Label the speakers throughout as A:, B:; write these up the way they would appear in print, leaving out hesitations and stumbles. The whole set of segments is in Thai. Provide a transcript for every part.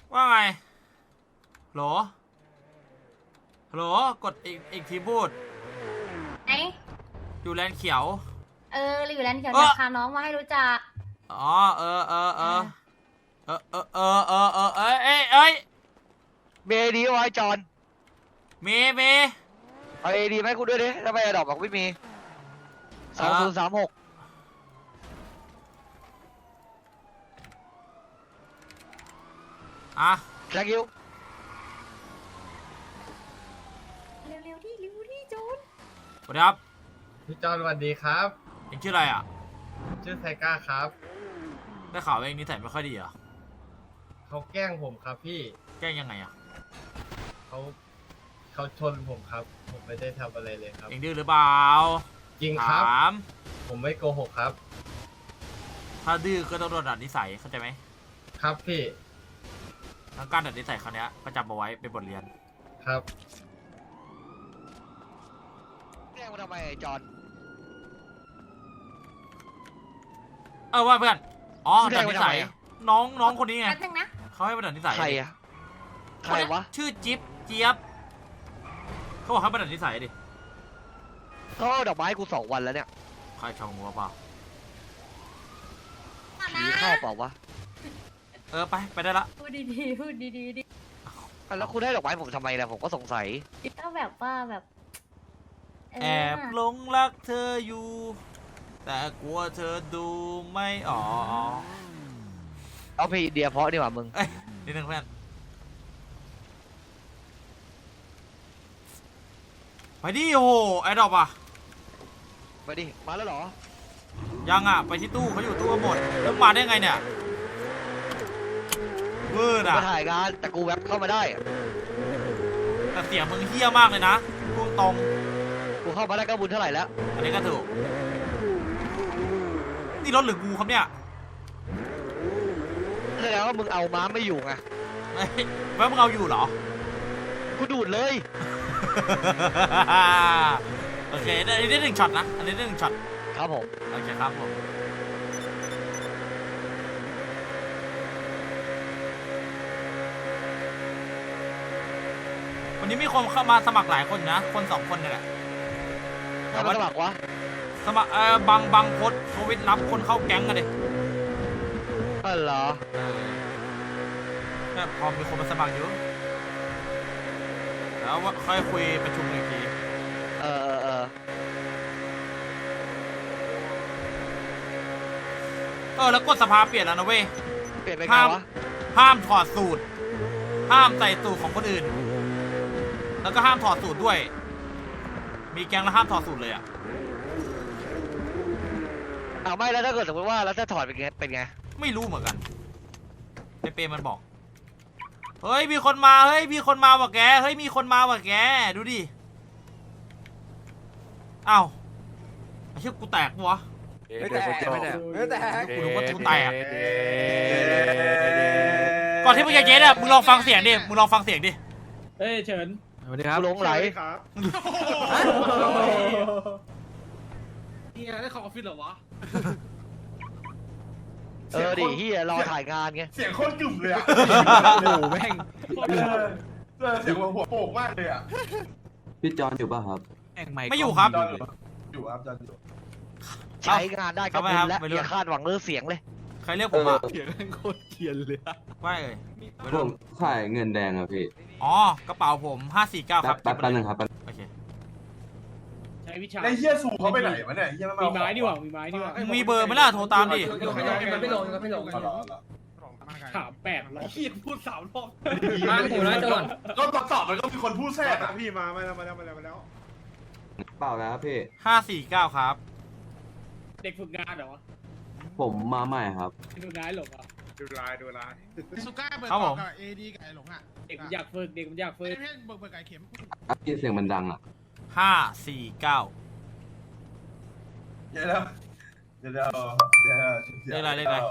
A: ว่าไงโหลโหลกดอีกทีพูด
B: ไหน
A: อยู่แลนเขียว
B: เราอยู่ร้านเขียวจะพาน้องมาให้รู้จัก
A: อ๋อเอ้ย
C: เมย์ดีไว้จอน
A: เม
C: เอาเอดีไหมกูด้วยดิถ้าไม่ดอกบอกไม่มี2036
A: อ่ะ
C: แจ็คยิว
B: เร็วดิจูน
A: สวัสดีครับ
D: พี่จอนสวัสดีครับ
A: เอ็งชื่ออะไรอ่ะ
D: ชื่อไทก้าครับ
A: ได้ข่าวว่าเอ็งนิสัยไม่ค่อยดีเหรอ
D: เขาแกล้งผมครับพี่
A: แกล้งยังไงอ่ะ
D: เขาชนผมครับผมไม่ได้ทำอะไรเลยครับ
A: เอ็งดื้อหรือเปล่า
D: จริงครับ
A: ถาม
D: ผมไม่โกหกครับ
A: ถ้าดื้อก็ต้องโดนดัดนิสัยเข้าใจไหม
D: ครับพี่
A: ทั้งการดัดนิสัยครั้งนี้ก็จำเอาไว้เป็นบทเรียน
D: ครับ
C: แกล้งมาทำไมไอ้จอน
A: ว่าเพื่อนอ๋อดัดนิสัยน้องคนนี้ไง
B: แป๊บนึงนะ
A: เขาให้มาดัดนิสัย
C: ใครอะใครวะ
A: ชื่อจิ๊บเจี๊ยบเขาบอกให้มาดัดนิสัยดิ
C: เขาเอาดอกไม้กู2 วันแล้วเนี่ย
A: ใครชงหัวเปล่า
C: ผีเข้าเปล่าวะ
A: ไปได้ละ
B: พูดดีดิ
C: แล้วคุณให้ดอกไม้ผมทำไมล่ะผมก็สงสัย
B: ก็แบบว่าแบบ
A: แอบหลงรักเธออยู่แต่กลัวเธอดูไม่อ๋อ
C: เอาพี่เดียเพราะดีกว่ามึง
A: นิดนึงเพื่อนไปดิโอ้ไอ้ดอกอ่ะ
C: ไปดิมาแล้วเหรอ
A: ยังอ่ะไปที่ตู้เขาอยู่ตู้หมดแล้วมาได้ไงเนี่ยเวอร์อ่ะ
C: มาถ่ายงานแต่กูแวบเข้ามาได้
A: แต่เสียงมึงเฮี้ยมากเลยนะพูดตรง
C: กูเข้ามาได้ก็บุญเท่าไหร่แล้ว
A: อันนี้ก็ถูกนี่รถหรือกูครับเนี่ย
C: แสดงว่ามึงเอาม้าไม่อยู่ไง
A: ว่ามึงเอาอยู่เหรอ
C: กูดูดเลย
A: โอเคอันนี้ได้1 ช็อตนะอันนี้ได้1 ช็อต
C: ครับผม
A: โอเคครับผมวันนี้มีคนเข้ามาสมัครหลายคนนะคน2 คนนี่แหละ
C: แต่ว่าสมัครวะ
A: สมัครบางโพสโควิดรับคนเข้าแก๊งกันเลย
C: เหรอ
A: พอมีคนมาสมัครอยู่แล้วค่อยคุยประชุมอีกทีแล้วกฎสภาเปลี่ยนแล้วนะเว้ย
C: เปลี่ยนไปไงวะ
A: ห้ามถอดสูตรห้ามใส่สูตรของคนอื่นแล้วก็ห้ามถอดสูตรด้วยมีแก๊งแล้วห้ามถอดสูตรเลยอ่ะ
C: ไม่แล้วถ้าเกิดสมมติว่าแล้วถ้าถอดเป็นไง
A: ไม่รู้เหมือนกันเปมันบอกเฮ้ยมีคนมาเฮ้ยมีคนมาว่ะแกเฮ้ยมีคนมาว่ะแกดูดิอ้าวไอ้เชี่ยกูแตกปะวะ
E: ไม่แตก
A: กูรู้ว่ากูแตกก่อนที่มึงจะเจ๊เนี่ยมึงลองฟังเสียงดิ
E: เฮ้ยเฉิน
C: สวัสดีครับหลงไหล
E: ครับนี่ได้เข้าออฟฟิศเหรอวะ
C: ดิเฮียรอถ่ายงานไง
E: เสียงโคตรกึ่มเลยอ่ะ
A: โอ้โหแม่ง
E: เสียงหัวโป่งมากเลยอ่ะ
F: พี่จอนอยู่ป่ะครับ
A: ไม่อยู่ครับ
E: อยู่ครับจอนอยู่
C: ใช้งานได้ก็บุญแล้วอย่าคาดหวังเรื่องเสียงเลย
A: ใครเรียกผมอ่ะ
E: เสียงโคตรเทียนเลย
A: ว่าเลย
F: ผมขายเงินแดงครับพี่
A: อ๋อกระเป๋าผม549ครับ
F: แป๊บนึงครับ
A: โอเค
E: ใช้วิชาไอ้เหี้ยสูเขาไปไหนวะเนี่ยมีไม้ดีกว่า
A: มีเบอร์ไหมล่ะโทรตามดิ
E: ไม่ลงถาม800พี่พูด3 รอบ
G: มาถูกแล้วจอน
E: ก็ตอบมันก็มีคนพูดแทรกพี่มาแล้ว
F: เปล่าแล้วพี่
A: 549ครับ
E: เด็กฝึกงานเหรอ
F: ผมมาใหม่ครับ
E: ดูร้ายหลงอ่ะดูร้าย
G: สุก้าเบิร์ดกับเอดีกับไอ้หลงอ่ะ
E: เด็กมันอยากฝึกเพื่อน
G: เบิร์ดไก่เข็ม
F: พี่เสียงมันดังอ่ะ
A: 549
E: เดี๋ยว
A: เลขอะไร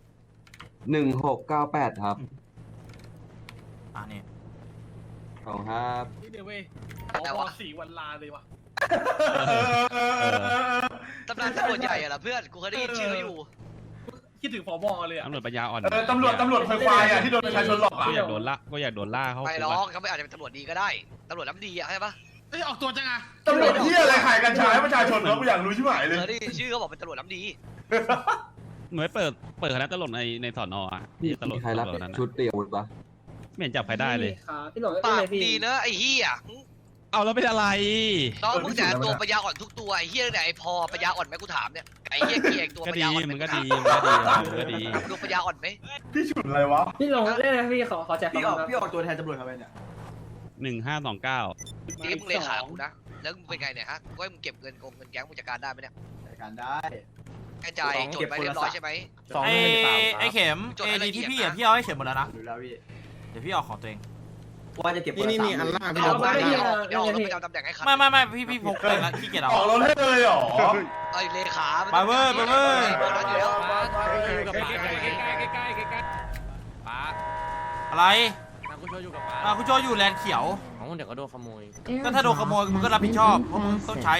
F: 1698ครับ
A: นี่
F: ของครับ
E: นี่เดี๋ยวเว้ย4 วันลาเลยวะ
C: ตำนานตำรวจใหญ่อะล่ะเพื่อนกูเคยได้ยินชื่ออยู่
A: เ
E: คิดถึงผบเลยอ่ะ
H: ตำรวจปัญญาอ่อน
E: ตำรวจควายอ่ะที่โดนประชาชนหลอก
H: ก็อยากโดนล่าเขา
C: ไม่หรอกเขาไม่อาจจะเป็นตำรวจดีก็ได้ตำรวจน้ำดีอะใช่ปะ
G: เอ้ยออกตัวจังอะ
E: ตำรวจที่อะไรขายกัญชาให้ประชาชนเราอยากรู้ชิบหายเลย
C: นี่ชื่อเขาบอกเป็นตำรวจน้ำดี
H: เหมือนเปิดคณะตลกในสอนอ่ะ
F: พี่
H: ตลก
F: ใครรับ
H: นั้น
F: ชุดเตรียมอาวุธปะ
H: ไม่เห็นจับใครได้เลย
E: พี่หลง
C: ปากดีเนอะไอ้เหี้ย
H: เอาแล้วเป็นอะไร
C: น้องมึงแต่ตัวปัญญาอ่อนทุกตัวไอ้เหี้ยไหนไอ้พอปัญญาอ่อนไหมกูถามเนี่ยไอ้เหี้ยเกียกตัว
H: ก็
C: ปัญ
H: ดี
C: ญาอ่อน
H: มันก็ดีมันก็ดี
C: ดูปัญญาอ่อนไหม
E: พี่ฉุนอะไรวะ
I: พี่ลงเล่นนะพี่ขอแจก
E: พี่ออกตัวแทนตำรวจทำไมเนี่ย
H: 1529
C: นี่มึงเลขากูนะแล้วมึงเป็นไงเนี่ยฮะว่ามึงเก็บเงินแก๊งมึงจัดการได้ไหมเนี่ย
E: จัดการได้
C: แกจ่ายจดไปเรียบร้อยใช่ไหม
A: ไอ้เข็ม
C: จดให้
A: เอ
C: ละ
A: ดี
C: เอียด
A: ที่พี่
C: นะ
A: อ่ะพี่เอาให้เข็มหมดแล้วนะ
E: ดูแล้วพี่
A: เดี๋ยวพี่เอาของตัวเอง
E: ว่าจะเก็บ
G: นี่มีอันล่าง
C: เดี๋ยวเดี๋ยวเราไปจำตำแหน่งให้คัด
A: ไม่พี่พกเลยนะขี้เกียจเอา
E: ออกรถให้เลยเหรอ
C: ไอ้เลขา
A: ไปเว้ย
C: อยู่แล้ว
A: อะไรคุณโจอยู่แลนด์เขียว
I: เดี๋ยวก็โดนขโมย
A: ก็ถ้าโดนขโมยมึงก็รับผิดชอบเพราะมึงต้องใช้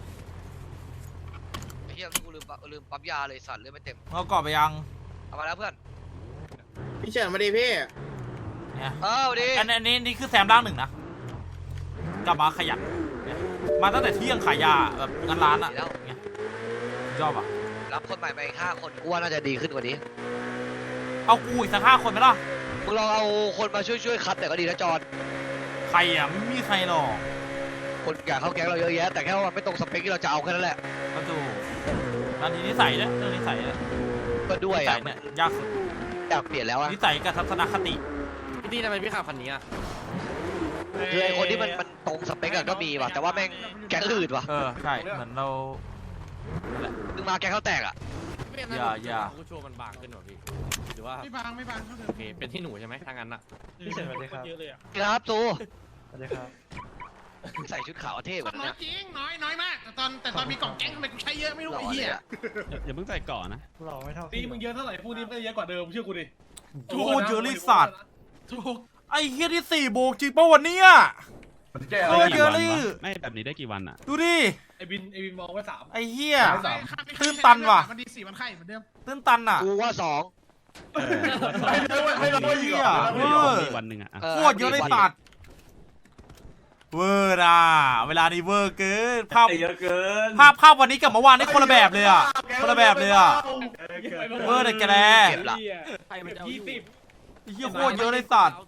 C: เฮียกูลืมปั๊มยาเลยสัตว์เลยไม่เต็ม
A: เอากรอบไปยัง
C: เอามาแล้วเพื่อน
G: พี่เฉินมาดิพี่
A: เนี่ย
C: ดิ
A: อันนี้นี่คือแซมร่างหนึ่งนะกลับมาขยันเนี่ยมาตั้งแต่เที่ยงขายยาแบบงานร้านอ่ะเนี่ยชอบอ่ะ
C: รับคนใหม่มาอีก5 คนกูว่าน่าจะดีขึ้นกว่านี้
A: เอากูอีกสัก5 คนไหมล่ะ
C: มึงลองเอาคนมาช่วยคัดแต่ก็ดีนะจอน
A: ใครอ่ะไม่มีใครหรอก
C: คนอยากเข้าแก๊งเราเยอะแยะแต่แค่ว่ามันไม่ตรงสเปคที่เราจะเอาแค่นั้นแหละ
A: ก็ดูตอนนี้นิสัยเนี่ยเรื่องนิสัยเนี่ย
C: ก็ด้วย
A: นิสั
C: อ่ะ
A: ยเนี่ยยากสุด
C: อยากเปลี่ยนแล้วอ่ะ
A: นิสัยกับทัศนคติ
I: พี่ตี้ทำไมพี่ขับคันนี้อ่ะ
C: คือไอ้คนที่มันตรงสเปคอะก็มีว่ะแต่ว่าแม่งแก๊งอื่นว่ะ
A: ใช่เหมือนเรา
C: มึงมาแก๊งเขาแตกอ่ะ
A: อย่า
I: กูโชว์มันบางขึ้นหรอพี่หรือว่า
G: ไม่บางเขาเถ
I: โอ
G: อะ
I: เคเป็นที่หนูใช่ไหมทางนั้นอ่ะ
E: พี่เฉินสวัสดีครับ
C: ครับตู
E: สวัสดีครับ
C: ใส่ชุดขาวเท่กว่านั้น
G: น้อย
C: นะ
G: จริงน้อยมากแต่ตอนมีกล่องแก๊งทำไมกูใช้เยอะไม่รู้
C: หล่อ
G: ไอ้
C: เล
G: เหี้
C: ย
G: ย
C: อ่ะ
H: อย่าเพิ่งใส่ก่อนนะ
E: หล่อไม่เท่า
J: ตีมึงเยอะเท่าไหร่พวกนี้เยอะกว่าเดิมเชื่อกูดิ
A: โอ้โหเจอริสัตว์
G: ถูก
A: ไอ้เฮียที่4 โบกจริงป่ะวันนี้
E: แก้
A: เออเจอรี่
H: ไม่แบบนี้ได้กี่วันอ่ะ
A: ดูดิ
J: ไอ้บินมองไว้3
A: ไอ้เฮีย
G: ตื้
A: ตื้นตันว่ะ
G: มันดี4 วันไข่เหมือนเดิม
A: ตื้นตันอ่ะ
C: กูว่า2
E: ให้เราอีกเหรอ
H: มีวันหนึ่งอ่ะ
A: โคตรเยอะเลยสัตว์เวอร์อ่ะเวลานี้เวอร์เกินภาพ
E: เยอะเกิน
A: ภาพวันนี้กับเมื่อวานนี่คนละแบบเลยอ่ะคนละแบบเลยอ่ะ เวอร์เด็กแกแล
C: เก็บละ
I: ใครมันจะเอาอยู่
A: ไอ้เฮียโคตรเยอะเลยสัตว์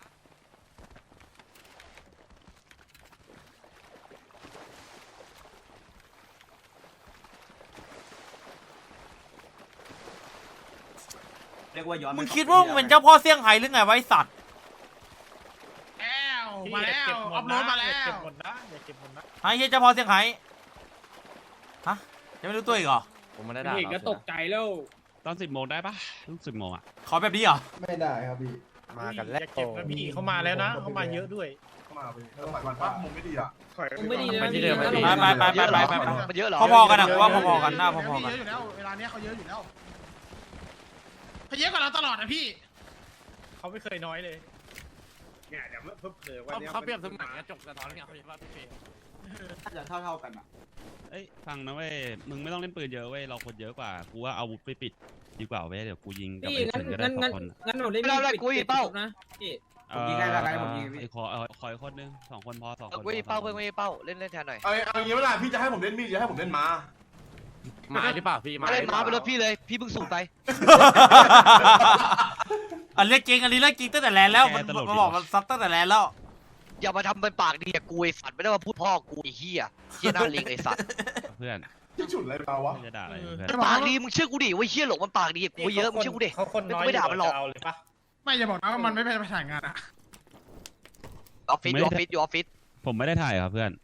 E: เรียกว่าย้อน
A: มึงคิดว่ามึงเป็นเจ้าพ่อเซี่ยงไฮ้หรือไงวะไอ้สัตว์
G: แล้วมาแล้วอัพโหลดมาแล้ว
J: เก็บหมดนะอย่าเก็บหมดนะ
A: ไอ้เฮียเจ้าพ่อเซี่ยงไฮ้ฮะยังไม่รู้ตัวอีกเหรอ
I: ผมไม่ได้ด่า
E: อีกก็ตกใจแล้ว
H: ตอน10 โมงได้ปะต้อง10 โมงอ่ะ
A: ขอแบบนี้เหรอ
E: ไม่ได้ครับพี่
J: มากันแล้วเก็บนะพี่เขามาแล้วนะเขามาเยอะด้วย
E: เข้ามาพี่แล้วหมายความว่ามุมไม่ดีอ่ะ
I: ไม่ดีเลย
H: ไปที่เดิม
A: ไป
C: มันเยอะเหรอ
A: พอๆกันอะว่าพอๆกันหน้าพอๆกัน
G: เยอะอยู่แล้วเวลาเนี้ยเขาเยอะอยู่แล้วเขาเยอะกว่าเราตลอดนะพี่
J: เขาไม่เคยน้อยเลยเนี่ยเดี๋ยวเพิ่มเผยว่า
I: เขาเปรียบเสมือนกระจกสะท้อนเงาใช่ป่ะพี่เฟย์
E: น่าจะเท่ากันอ่ะ
H: เอ้ยฟังนะเว้ยมึงไม่ต้องเล่นปืนเยอะเว้ยเราคนเยอะกว่ากูว่าเอาอาวุธไปปิดดีกว่าเว้ยเดี๋ยวกูยิงกับไอ้เฉินก็ได้2 คน
I: งั้นหนูเล่น
C: ไม่ได้กูอีเป้า
I: นะพี่
E: ผมยิงให้ได้ผมยิงพี่
H: ไอ้คอยคนนึง2 คนพอ2 คน
C: กูอีเป้าเพื่อนกูอีเป้าเล่นแทนหน่อย
E: เอาอย่างนี้เวลาพี่จะให้ผมเล่นมีดจะให้ผมเล่นม้า
I: ไม้หรือเปล่าพี่
C: มาเล่นม้าไปรถพี่เลยพี่เพิ่งสูบไป
A: อันเรื่องจริงอันนี้เรื่องจริงตั้งแต่แลนแล้วมันบอกมันซัดตั้งแต่แลนแล้ว
C: อย่ามาทำเป็นปากดีกับกูไอ้สัตว์ไม่ได้มาพูดพ่อกูไอ้เหี้ยหน้าลิงไอ้สัตว์
H: เพื่อน
E: ที่ฉุนอะไรเราวะ
H: ไม่จะด่าอะไรเพื่อน
C: ปากดีมึงเชื่อกูดิว่าเหี้ยหลงมันปากดีกับกูเยอะมึงเชื่อกูดิ
J: เขาคนน้อยเลยปะ
G: ไม่จะบอกนะว่ามันไม่ไปถ่ายงานอะ
C: ออฟฟิศอยู่ออฟฟิศ
H: ผมไม่ได้ถ่ายครับเพื่อน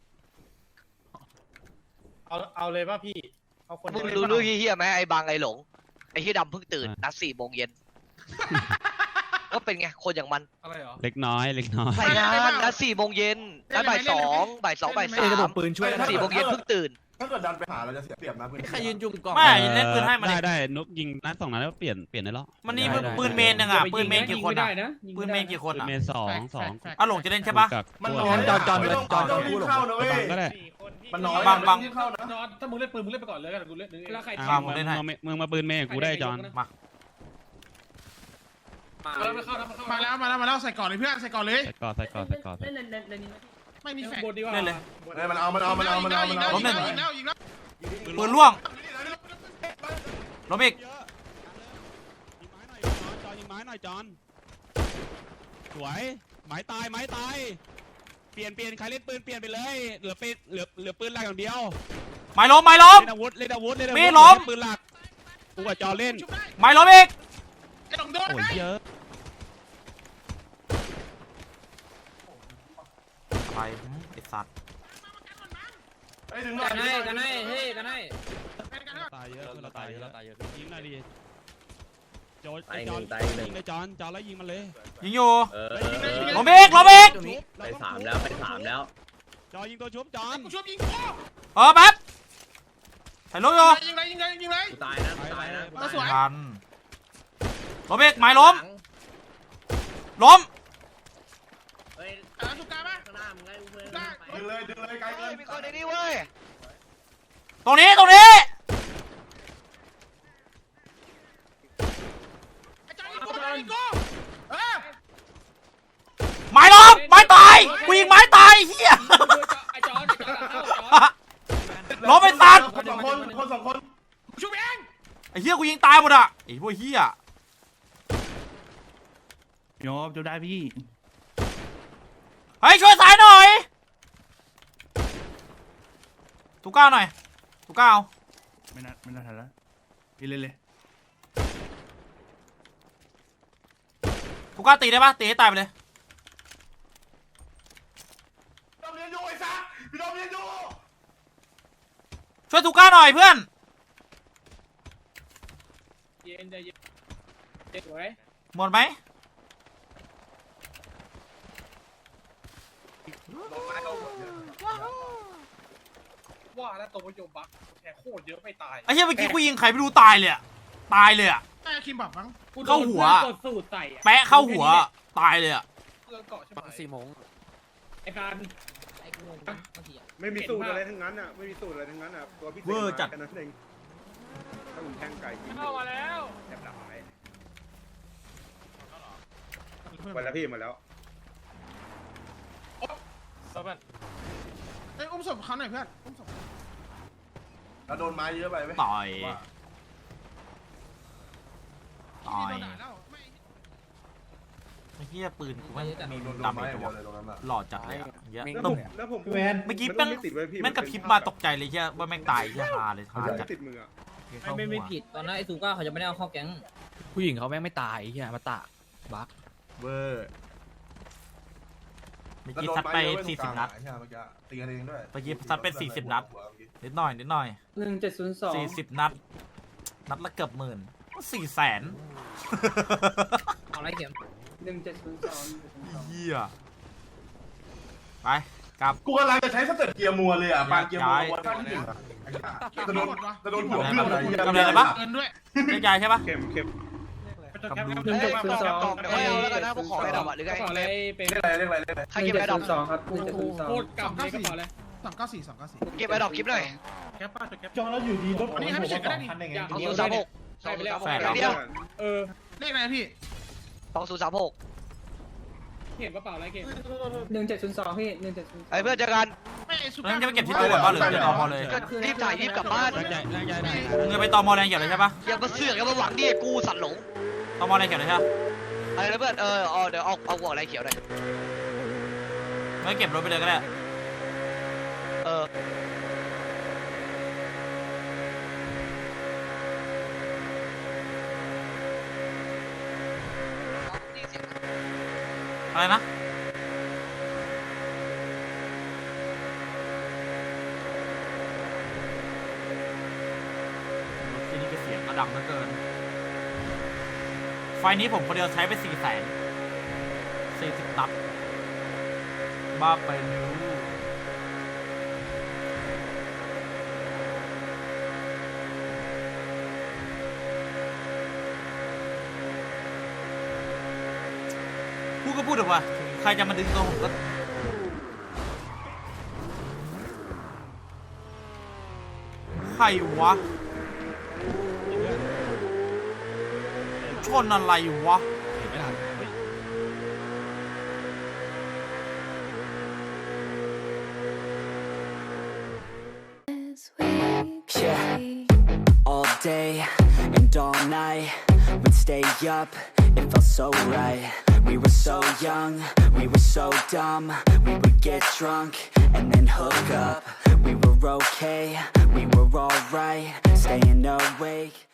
J: เอาเลยป่ะพี่เอาคน
C: มึงรู้เรื่องเหี้ยไหมไอ้บางไอ้หลงไอ้เหี้ยดำเพิ่งตื่นนัด4 โมงเย็นก็เป็นไงคนอย่างมัน
J: อะไรเหรอ
H: เล็กน้อย
C: ใส่งานนัด4 โมงเย็นนัดบ่าย 2 บ่าย 3 4 โมงเย็นเพิ่งตื่น
E: ถ้าเกิดดันไปหาเราจะเสียเปรียบนะเพื่อน
I: ใครยืนจุ่มกล่อง
A: ไม่เล่นปืนให้มัน
H: ได้นุกยิงนัด2 นัดแล้วเปลี่ยนได้แล้ว
A: มันนี่ปืนเมนยังอ่ะปืนเมนกี่คนอ่ะปืนเมนกี่คน
H: ปืน
A: อ่ะ
H: เมน2
A: อ่ะหลงจะเล่นใช่ปะ
E: มันร้อนจอนพูดเข้านะเว้ย
H: ก็ได้
J: 4 คน
G: มันน้อย
A: บัง
J: นอนถ้ามึงเล่นปืนมึงเล่นไปก่อนเลยกันกูเล่นแล้วใคร
A: อ่ะผมเล่นให้
H: มึงมาปืนเมย์กูได้จอน
A: มา
J: ไม่เข้านะ
G: มาแล้วใส่ก่อนเลยเพื่อนใส่ก่อนเลย
H: ใส่ก่อน
G: ไม่มีแฟก
J: บนดีกว่า
A: เล่นเลย
D: มันเอา
G: ยิงแล้ว
A: ปืนล่วงล้มอีก
H: ยิงไม้หน่อยจอนสวยไม้ตายเปลี่ยนใครเล่นปืนเปลี่ยนไปเลยเหลือปืนหลักอย่างเดียว
A: ไม้ล้ม
H: เล่นอาวุธมีล้มปืนหลักกูกับจอนเล่น
A: ไม้ล้มอีก
G: ไอ้ดงโดน
H: โอ้ยเยอะ
A: อะไรไอ้สัตว์
I: กันให้กันให้
H: ตายเยอะเราตายเยอะยิงหน่อยดิโจน
I: ตาย
H: จอน
I: ตายหนึ่ง
H: ยิงเลยจอนแล้วยิงมันเลย
A: ยิงอยู่
I: เ
A: ล้มอีก
I: ไปสามแล้ว
H: จอนยิงตัวชุบจอน
G: กูช่วยยิง
A: แป๊บใส่ล้มอยู่
G: ยิงเลย
I: กูตายนะ
G: สวย
A: ทันล้มอีกไม้ล้ม
G: สุกาป่ะ
D: ดึงเลยไกลเกิน
C: มีคนในนี้เว้ย
A: ตรงนี้
G: ไอ้จอยยิงกูเออ
A: ไม้ล้มไม้ตายกูยิงไม้ตายเฮีย
J: ไอ้จอนเข้า
A: ล้มไอ้สัตว์
D: คนสองคน
G: กูช่วยเอง
A: ไอ้เฮียกูยิงตายหมดอ่ะไอ้พวกเฮีย
J: โยบจะได้พี่
A: เฮ้ยช่วยสายหน่อยทุกก้าวหน่อยทุกก้าว
J: ไม่น่าทันแล้วพี่เล่นเลย
A: ทุกก้าวตีได้ปะตีให้ตายไปเลย
D: พี่ดอมเรียนอยู่ไอ้สัสพี่ดอมเรียนอยู่
A: ช่วยทุกก้าวหน่อยเพื่อน
J: เย็นใจเย็นสวย
A: หมดไหม
J: ว่าแล้วตัวโยบักแค่โคตรเยอะไม่ตาย
A: ไอ้เฮียเมื่อกี้กูยิงใครไม่รู้ตายเลยอะตายเลยอะ
G: ไอ้คิมบอกมั้ง
A: เข้าหัว
J: กดสูตรใส่อะ
A: แปะเข้าหัวตายเลยอะ
J: เรื่องเกาะใช่ไหม
I: 4 โมง
J: ไอ้การ
E: ไม่มีสูตรอะไรทั้งนั้นอ่ะไม่มีสูตรอะไรทั้งนั้นอ่ะตัวพี่เสกกันนั่นเองถ้าผมแทงไก่ยิง
J: เข้ามาแล้ว
E: แทบดับไปแล้วพี่หมดแล้ว
G: ไอ้อุ้มศพเขาหน่อยเพื่อนอุ้มศพ
D: เราโดนไม้เยอะไปไหม
A: ต่อยต่อย
G: โดนด่าแล้วไม่
A: ไอ้เฮียปืนกูไม่มีดาเมจตัวหล่อจัดเลยอะเหี้ย
E: แล้วผม
A: เมื่อกี้
E: มั
A: แม่ง
E: ไม่ติดไว้พี่
A: แม่งกระพริบมาตกใจเลยเฮียว่าแม่งตายเฮียฮาเลยฮา
E: มัน
A: จัด
E: ไม่ติดมืออ่ะ
I: ไม่ผิดตอนนั้นไอ้ซูก้าเขาจะไม่ได้เอาเข้าแก๊งผู้หญิงเขาแม่งไม่ตายเฮียมาตะบัก
A: เวอร์เมื่อกี้ซัดไป40 นัด
D: ตีกันเองด้วย
A: เมื่อกี้ซัดไป40 นัดนิดหน่อย40 นัดนัดละเกือบ10,000 400,000
I: เอาไรเข็ม
A: เฮียไปกลับ
D: กูกำลังจะใช้สเต็ปเกียร์มัวเลยอ่ะปานเกียร์มัวข้างที่หนึ่งจะโดนหัวเพื่อน
A: กำลังอะไรปะ
G: เกินด้วย
A: เรียกยายใช่ปะ
E: เข็ม
J: 1.02
C: ไม่เอาแล้วกันนะพวกของไอ้ดอกหรือไง
J: กระเป๋าอะไรเป็น
D: เรียกอะไร
C: ใครเก็บไอ้ดอก
J: โคตรกำในกระเป๋าเลย
G: 294
C: เก็บไอ้ดอกคลิปหน่อย
J: แคปป้าแคป
E: จอแล้วอยู่ดีรถ
G: อันนี้ให้พี่เฉยก็ได้ดิ
C: 2036
J: ใช่ไปแล้ว
A: แฟน
C: เดียว
G: เลขอะไรพี่
C: 2036
J: เห็นกระเป๋าอะไรเก็บ
I: 1702พี่1702
C: ไอ้เพื่อนเจอกัน
G: ไม่ไอ้สุ
A: แล้ว
G: กา
A: มึงจะไปเก็บที่ตู้ก่อนป่ะหรือจะตอมอเลย
C: ก็รีบถ่ายรีบกลับบ้าน
H: แรงใหญ่ได้
A: มึงจะไปตอมอแรงเขียวเลยใช่ปะ
C: อย่ามาเสือกอย่ามาหวังดิกูสัตว์หลง
A: ตอมอแรงเขียวเลยใช่ปะ
C: อะไรนะเพื่อนเดี๋ยวเอาหัวอะไรเขียวหน่อย
A: ไม่เก็บรถไปเลยก็ได้ อะไรนะที่นี่ก็เสียงกระดังเหลือเกิน ไฟนี้ผมคนเดียวใช้ไป400,000 40 นัดบ้าไปรู้พูดก็พูดเถอะวะใครจะมาดึงตัวผมก็ใครวะชนอะไรวะ
H: เห็นไม่ทันเฮ้ย
K: Yeah, all day and all night, we'd stay up, it felt so right. We were so young, we were so dumb, we would get drunk and then hook up. We were okay, we were alright, staying awake.